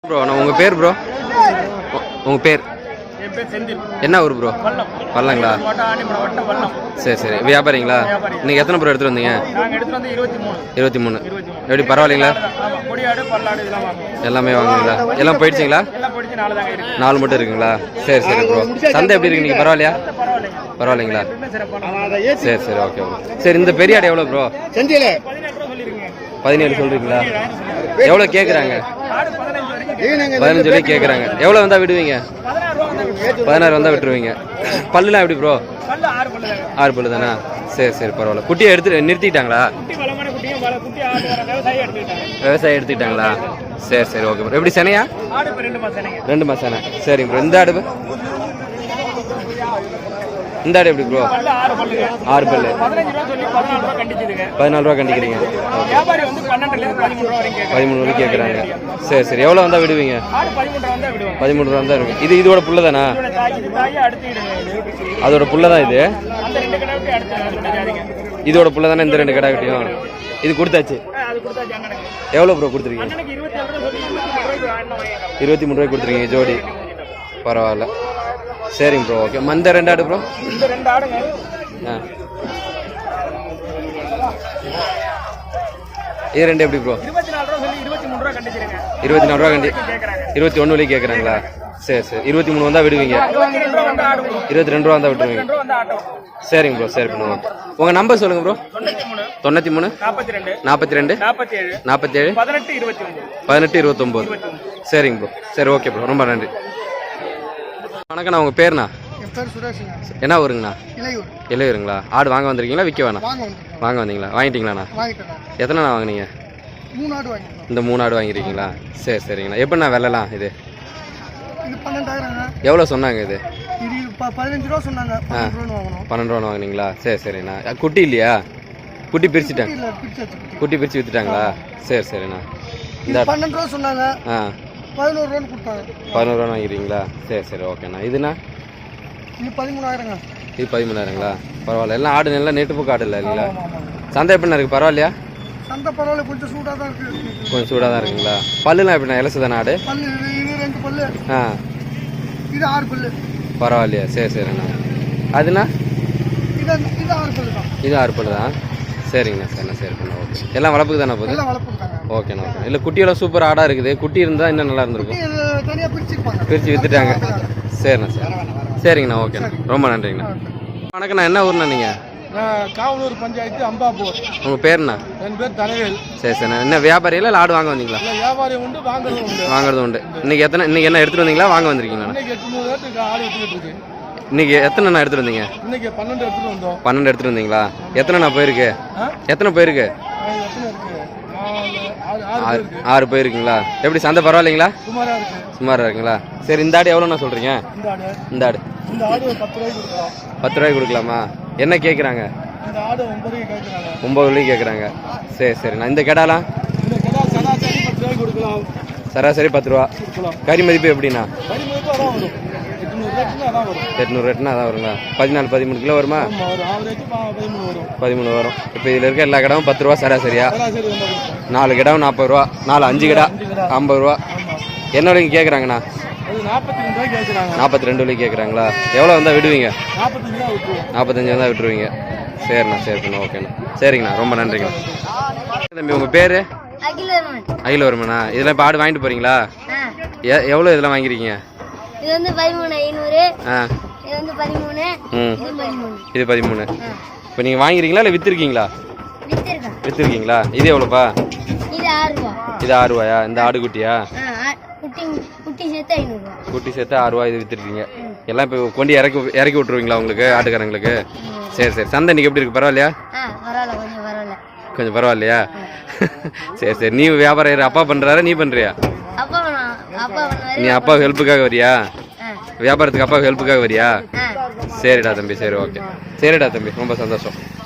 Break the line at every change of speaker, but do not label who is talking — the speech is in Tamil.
ப்ரோ நான் உங்கள் பேர் ப்ரோ உங்கள் பேர் என்ன ஊர் ப்ரோ? பல்லங்களா? சரி சரி. வியாபாரிங்களா? நீங்கள் எத்தனை ப்ரோ எடுத்துகிட்டு வந்தீங்க? 23. எப்படி பரவாயில்லைங்களா? எல்லாமே வாங்குங்களா? எல்லாம் போயிடுச்சிங்களா? 4 மட்டும் இருக்குங்களா? சரி சரி ப்ரோ. சந்தை எப்படி இருக்கு நீங்கள்? பரவாயில்லையா? பரவாயில்லைங்களா? சரி சரி ஓகே ப்ரோ. சரி இந்த பெரிய ஆடு எவ்வளோ ப்ரோ? 17 சொல்கிறீங்களா? எவ்வளோ கேட்குறாங்க? 15 வரை கேட்குறாங்க. எவ்வளோ வந்தால் விடுவீங்க? 16 வந்தால் விட்டுருவீங்க. பல்லுலாம் எப்படி ப்ரோ? 6 பல்லு தானே? சரி சரி பரவாயில்ல. குட்டியை நிறுத்திட்டாங்களா? விவசாயம் எடுத்துக்கிட்டாங்களா? சரி சரி ஓகே ப்ரோ. எப்படி சென்னையா? 2 மாதம் சென்னை. சரிங்க ப்ரோ. இந்த ஆடு எப்படி ப்ரோ? 6 பல்லு. 14 ரூபா கண்டிக்கிறீங்க. 13 வரைக்கும் கேட்குறாங்க. சரி சரி. எவ்வளோ வந்தால் விடுவீங்க? 13 ரூபா தான் இருக்கு. இதோட புள்ள தானா? அதோட புள்ள தான் இது. இதோட புள்ள தானே இந்த 2 கடை கட்டியும்? இது கொடுத்தாச்சு. எவ்வளோ ப்ரோ கொடுத்துருக்கீங்க? 23 ரூபாய்க்கு கொடுத்துருக்கீங்க ஜோடி. பரவாயில்ல. சரிங்க ப்ரோ ஓகே. இந்த 2 ஆடு ப்ரோ? இது 2 எப்படி ப்ரோ? 24 ரூபா கண்டி. 21 வரைக்கும் கேட்குறாங்களா? சரி சரி. 23 வந்தால் விடுவீங்க? 22 ரூபா வந்தால் விட்டுருவீங்க. சரிங்க ப்ரோ. சரி பண்ணுவோம். உங்கள் நம்பர் சொல்லுங்கள் ப்ரோ. 93 42 47 18 29. சரிங்க ப்ரோ. சரி ஓகே ப்ரோ. ரொம்ப நன்றி. வணக்கண்ணா. உங்கள் பேருண்ணா? என்ன ஊருங்கண்ணா? இளையூருங்களா? ஆடு வாங்க வந்திருக்கீங்களா விற்க வேணாம்? வாங்க வந்தீங்களா? வாங்கிட்டீங்களாண்ணா? எத்தனைண்ணா வாங்கினீங்க? இந்த 3 ஆடு வாங்கியிருக்கீங்களா? சரி சரிங்கண்ணா. எப்படிண்ணா விலைலாம் இது? எவ்வளோ சொன்னாங்க இது?
15 ரூபா சொன்னாங்க.
12 ரூபா வாங்கினீங்களா? சரி சரிண்ணா. குட்டி இல்லையா? குட்டி பிரிச்சுட்டாங்க. குட்டி பிரித்து விற்றுட்டாங்களா? சரி சரிண்ணா. இந்த
12 ரூபா சொன்னாங்க. 11 ரூபா கொடுத்தாங்க.
11 ரூபா வாங்கிக்கிறீங்களா? சரி சரி ஓகேண்ணா. இதுண்ணா?
இது 13,000ங்க.
இது 13,000ங்களா? பரவாயில்ல. எல்லாம் ஆடு நல்லா நெட்டுப்புக்கு ஆடு இல்லை இல்லைங்களா? சந்தை எப்படிண்ணா இருக்குது? பரவாயில்லையா?
சந்தை பரவாயில்ல. கொஞ்சம் சூடாக தான் இருக்குது.
கொஞ்சம் சூடாக தான் இருக்குங்களா? பல்லுலாம் எப்படிண்ணா? இலசு தானே ஆடு?
பல்லு இது 2 பல்லு. இது 6 பல்லு.
பரவாயில்லையா? சரி சரிண்ணா. அதுண்ணா?
இது 6 பல்லு தான்.
இது 6 பல்லு தான். சரிங்கண்ணா. சரிண்ணா. சரி பண்ண ஓகே. எல்லாம் வளர்ப்புக்கு தானே போகுது?
எல்லாம் வளர்ப்புக்கு தாங்க.
ஓகேண்ணா ஓகே. இல்லை குட்டியெல்லாம் சூப்பர் ஆடாக இருக்குது. குட்டி இருந்தால் இன்னும் நல்லா இருந்திருக்கும்.
தனியாக
பிரித்து விற்றுட்டாங்க. சரிண்ணா. சரி சரிங்கண்ணா. ஓகேண்ணா. ரொம்ப நன்றிங்கண்ணா. வணக்கண்ணா. என்ன ஊர்ண்ணா நீங்கள்?
காவலூர் பஞ்சாயத்து அம்பாப்பூர்.
உங்கள் பேருண்ணா?
என் பேர் தனவேல்.
சரி சரிண்ணா. என்ன வியாபாரியில் இல்லை ஆடு வாங்க வந்தீங்களா?
வியாபாரி உண்டு,
வாங்குறது உண்டு. இன்னைக்கு என்ன எடுத்துகிட்டு வந்தீங்களா வாங்க வந்திருக்கீங்களா? இன்னைக்கு எத்தனைண்ணா எடுத்துகிட்டு வந்தீங்க?
12 எடுத்துகிட்டு வந்தோம்.
12 எடுத்துகிட்டு வந்தீங்களா? எத்தனைண்ணா போயிருக்கு? எத்தனை போயிருக்கு? 6 போயிருக்குங்களா? எப்படி சந்தை பரவாயில்லைங்களா? சுமாராக இருக்குங்களா? சரி. இந்த ஆடு எவ்வளோண்ணா சொல்கிறீங்க? இந்த ஆடு 10 ரூபாய்க்கு கொடுக்கலாமா? என்ன கேட்குறாங்க? 9 வரைக்கும் கேட்குறாங்க. சரி சரிண்ணா. இந்த கெடாலாம் சராசரி 10 ரூபா. கறி மதிப்பு எப்படிண்ணா? 800 ரேட்னா அதான் வருங்களா? 14-13 கிலோ வருமா? 13 வரும். இப்போ இதில் இருக்க எல்லா கிடமும் 10 ரூபா சராசரியா? 4 கிடம் 40 ரூபா. 5 கிடா 50 ரூபா. என்ன வரைக்கும் கேட்குறாங்கண்ணா? 42 வரைக்கும் கேட்குறாங்களா? எவ்வளோ வந்தால் விடுவீங்க? 45 வந்தால் விட்டுருவீங்க. சரிண்ணா. சரி பண்ண ஓகேண்ணா. சரிங்கண்ணா. ரொம்ப நன்றிங்கண்ணா. தம்பி உங்கள் பேர்? அகிலவர்மனா. இதெல்லாம் இப்போ ஆடு வாங்கிட்டு போகிறீங்களா? எவ்வளோ இதெல்லாம் வாங்கிருக்கீங்க?
இது வந்து 13,500. இது வந்து 13.
இது 13. இப்போ நீங்கள் வாங்கிருக்கீங்களா இல்லை விற்றுருக்கீங்களா? விற்றுருக்கீங்களா? இது எவ்வளோப்பா?
இது 6 ரூபா.
இது 6 ரூபாயா? இந்த ஆடு குட்டியா?
குட்டி சேர்த்து 500 ரூபா.
குட்டி சேர்த்து 6 ரூபா. இது விற்றுருக்கீங்க. எல்லாம் இப்போ கொண்டு இறக்கி விட்டுருவீங்களா உங்களுக்கு ஆட்டுக்காரங்களுக்கு? சரி சரி. சந்தை இன்னைக்கு எப்படி இருக்கு? பரவாயில்லையா? கொஞ்சம் பரவாயில்லையா? சரி சரி. நீ வியாபாரம் அப்பா பண்ணுறாரா நீ பண்ணுறியா? நீ அப்பா ஹெல்ப்புக்காக வரியா? வியாபாரத்துக்கு அப்பா ஹெல்ப்புக்காக வரியா? சரிடா தம்பி. சரி ஓகே. சரிடா தம்பி. ரொம்ப சந்தோஷம்.